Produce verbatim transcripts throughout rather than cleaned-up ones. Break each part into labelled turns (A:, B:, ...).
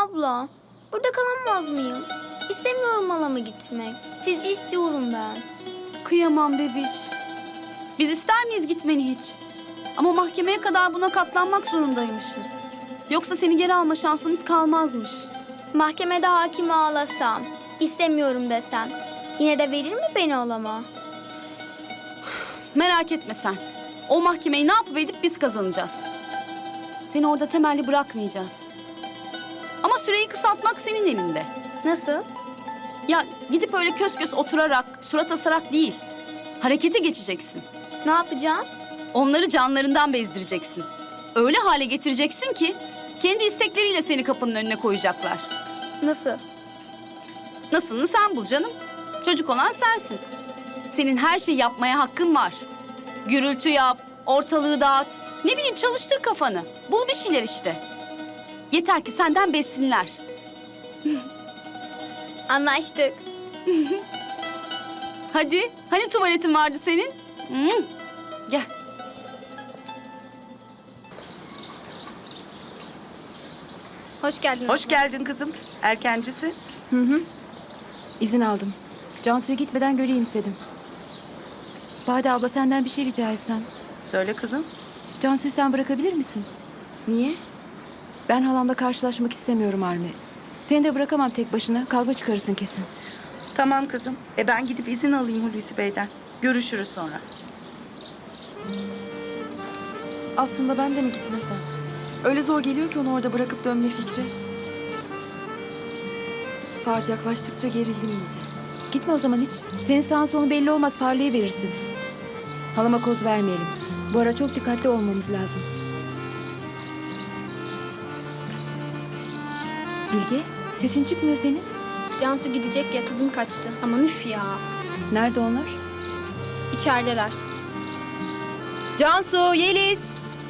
A: abla. Burada kalamaz mıyım? İstemiyorum halama gitmek. Sizi istiyorum ben.
B: Kıyamam bebiş. Biz ister miyiz gitmeni hiç? Ama mahkemeye kadar buna katlanmak zorundaymışız. Yoksa seni geri alma şansımız kalmazmış.
A: Mahkemede hakime ağlasam, istemiyorum desem, yine de verir mi beni halama?
B: Merak etme sen. O mahkemeyi ne yapıp edip biz kazanacağız. Seni orada temelli bırakmayacağız. Ama süreyi kısaltmak senin elinde.
A: Nasıl?
B: Ya gidip öyle kös kös oturarak, surat asarak değil. Harekete geçeceksin.
A: Ne yapacağım?
B: Onları canlarından bezdireceksin. Öyle hale getireceksin ki kendi istekleriyle seni kapının önüne koyacaklar.
A: Nasıl?
B: Nasılını sen bul canım. Çocuk olan sensin. Senin her şeyi yapmaya hakkın var. Gürültü yap, ortalığı dağıt. Ne bileyim çalıştır kafanı. Bul bir şeyler işte. Yeter ki senden bessinler.
A: Anlaştık.
B: Hadi, hani tuvaletin vardı senin? Hmm. Gel.
A: Hoş geldin.
C: Hoş geldin kızım. Erkencisin.
D: İzin aldım. Cansu'ya gitmeden göreyim istedim. Bade abla senden bir şey rica etsem.
C: Söyle kızım.
D: Cansu'yu sen bırakabilir misin?
C: Niye?
D: Ben halamla karşılaşmak istemiyorum Armi. Seni de bırakamam tek başına. Kavga çıkarırsın kesin.
C: Tamam kızım. E ben gidip izin alayım Hulusi Bey'den. Görüşürüz sonra.
E: Aslında ben de mi gitmesem? Öyle zor geliyor ki onu orada bırakıp dönme fikri. Saat yaklaştıkça gerildim iyice.
D: Gitme o zaman hiç. Senin sağın sonu belli olmaz, parlayıverirsin. Halama koz vermeyelim. Bu ara çok dikkatli olmamız lazım. Bilge, sesin çıkmıyor senin.
A: Cansu gidecek ya, tadım kaçtı. Ama üf ya.
D: Nerede onlar?
A: İçerideler.
D: Cansu, Yeliz.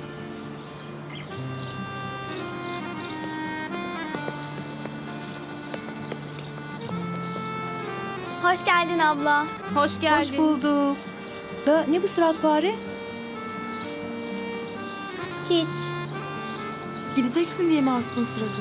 A: Hoş geldin abla.
B: Hoş geldin.
D: Hoş bulduk. Da ne bu surat fare?
A: Hiç.
E: Gideceksin diye mi astın suratını?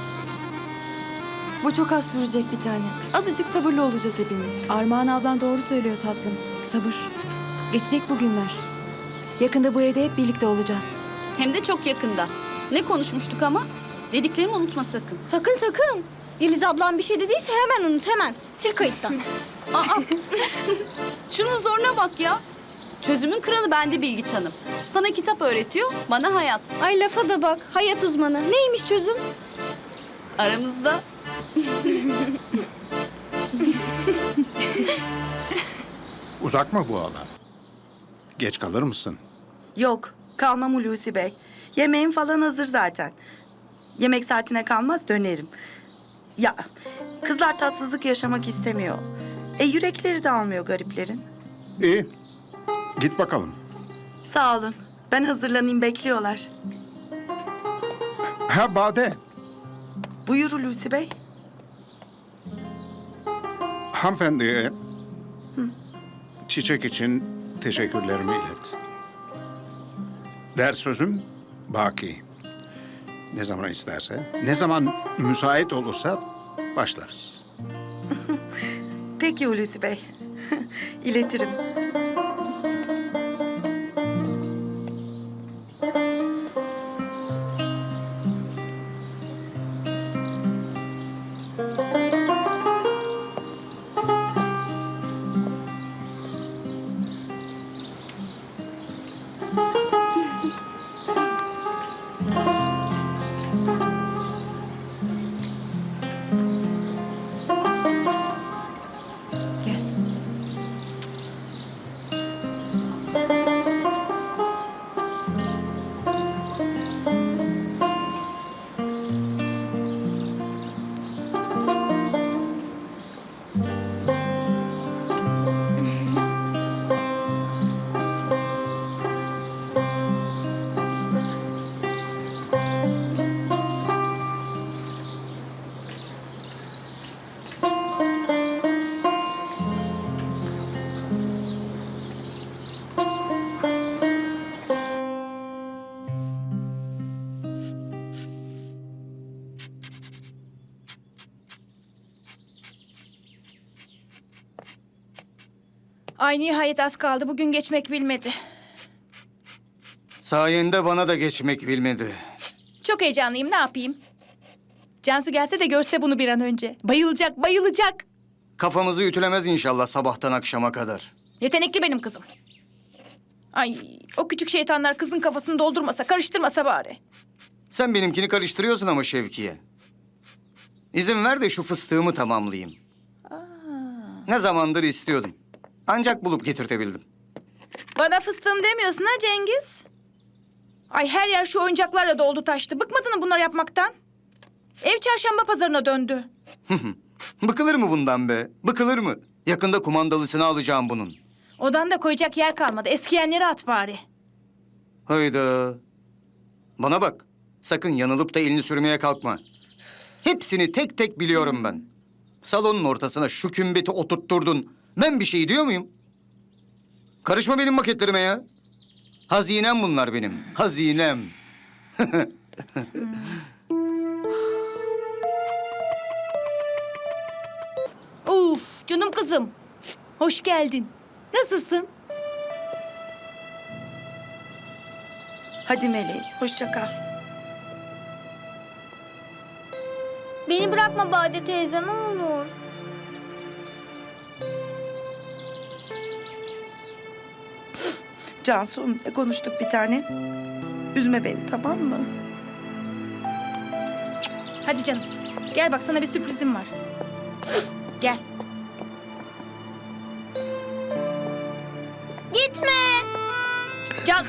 E: Bu çok az sürecek bir tane. Azıcık sabırlı olacağız hepimiz.
D: Armağan ablan doğru söylüyor tatlım. Sabır. Geçecek bu günler. Yakında bu evde hep birlikte olacağız.
B: Hem de çok yakında. Ne konuşmuştuk ama? Dediklerimi unutma sakın.
A: Sakın sakın. Yeliz ablam bir şey dediyse hemen unut, hemen. Sil kayıttan.
B: Aa, şunun zoruna bak ya. Çözümün kralı bende Bilgiç Hanım. Sana kitap öğretiyor, bana hayat.
A: Ay lafa da bak. Hayat uzmanı. Neymiş çözüm?
B: Aramızda.
F: Uzak mı bu alan? Geç kalır mısın?
C: Yok. Kalmam Hulusi Bey. Yemeğim falan hazır zaten. Yemek saatine kalmaz dönerim. Ya kızlar tatsızlık yaşamak istemiyor. E yürekleri de almıyor gariplerin.
F: İyi. Git bakalım.
C: Sağ olun. Ben hazırlanayım, bekliyorlar.
F: Ha Bade.
C: Buyur Hulusi Bey.
F: Hanımefendiye çiçek için teşekkürlerimi ilet. Der sözüm baki. Ne zaman isterse, ne zaman müsait olursa başlarız.
C: Peki Hulusi Bey. İletirim.
D: Gel.
G: Ay nihayet az kaldı. Bugün geçmek bilmedi.
H: Sayende bana da geçmek bilmedi.
G: Çok heyecanlıyım. Ne yapayım? Cansu gelse de görse bunu bir an önce. Bayılacak, bayılacak.
H: Kafamızı ütülemez inşallah sabahtan akşama kadar.
G: Yetenekli benim kızım. Ay o küçük şeytanlar kızın kafasını doldurmasa, karıştırmasa bari.
H: Sen benimkini karıştırıyorsun ama Şevkiye. İzin ver de şu fıstığımı tamamlayayım. Ne zamandır istiyordum. Ancak bulup getirtebildim.
G: Bana fıstığım demiyorsun ha Cengiz? Ay her yer şu oyuncaklarla doldu taştı. Bıkmadın mı bunları yapmaktan? Ev çarşamba pazarına döndü.
H: Bıkılır mı bundan be? Bıkılır mı? Yakında kumandalısını alacağım bunun.
G: Odanda koyacak yer kalmadı. Eskiyenleri at bari.
H: Hayda. Bana bak. Sakın yanılıp da elini sürmeye kalkma. Hepsini tek tek biliyorum ben. Salonun ortasına şu kümbeti oturtturdun. Ben bir şey diyor muyum? Karışma benim maketlerime ya. Hazinem bunlar benim. Hazinem.
G: Uf canım kızım. Hoş geldin. Nasılsın?
C: Hadi meleğim, hoşça kal.
A: Beni bırakma Bade teyze ne olur.
C: Cansu, ne konuştuk bir tane? Üzme beni, tamam mı?
G: Hadi canım. Gel bak sana bir sürprizim var. Gel.
A: Gitme.
G: Can...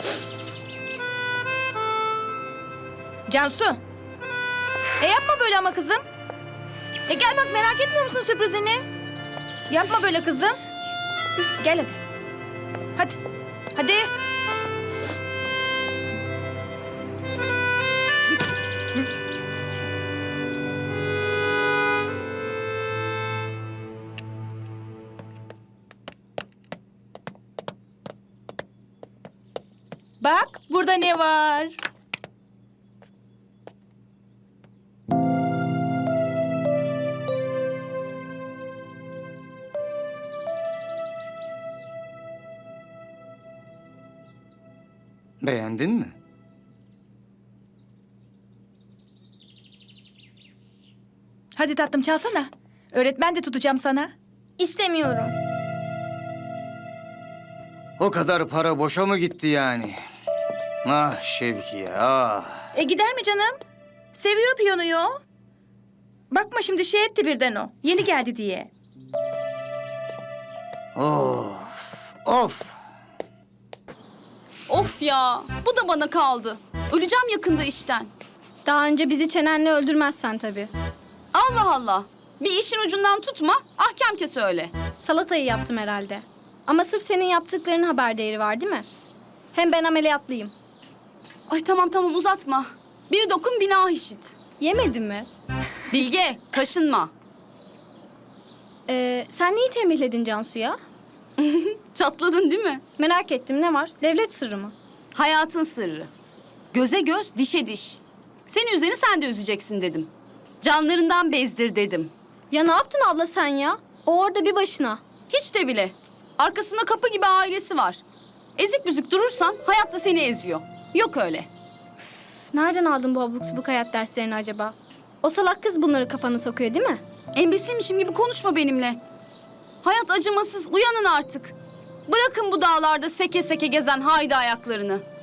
G: Cansu. E yapma böyle ama kızım. E gel bak merak etmiyor musun sürprizini? Yapma böyle kızım. Gel hadi. Hadi. Hadi. Bak burada ne var?
H: Beğendin mi?
G: Hadi tatlım çalsana. Öğretmen de tutacağım sana.
A: İstemiyorum.
H: O kadar para boşa mı gitti yani? Ah Şevkiye, ah.
G: E gider mi canım? Seviyor piyanoyu o. Bakma şimdi şey etti birden o. Yeni geldi diye.
H: Of, of.
B: Of ya, bu da bana kaldı. Öleceğim yakında işten.
I: Daha önce bizi çenenle öldürmezsen tabii.
B: Allah Allah. Bir işin ucundan tutma, ahkam kes öyle.
I: Salatayı yaptım herhalde. Ama sırf senin yaptıklarının haber değeri var değil mi? Hem ben ameliyatlıyım.
B: Ay tamam tamam uzatma. Bir dokun bina işit.
I: Yemedin mi?
B: Bilge, kaşınma.
I: Ee, sen neyi tembihledin Cansu'ya?
B: Çatladın değil mi?
I: Merak ettim ne var? Devlet sırrı mı?
B: Hayatın sırrı. Göze göz, dişe diş. Senin üzerine sen de üzeceksin dedim. Canlarından bezdir dedim.
I: Ya ne yaptın abla sen ya? O orada bir başına.
B: Hiç de bile. Arkasında kapı gibi ailesi var. Ezik büzük durursan hayat da seni eziyor. Yok öyle.
I: Nereden aldın bu abuk subuk hayat derslerini acaba? O salak kız bunları kafana sokuyor değil mi?
B: Embesilmişim gibi konuşma benimle. Hayat acımasız, uyanın artık. Bırakın bu dağlarda seke seke gezen haydi ayaklarını.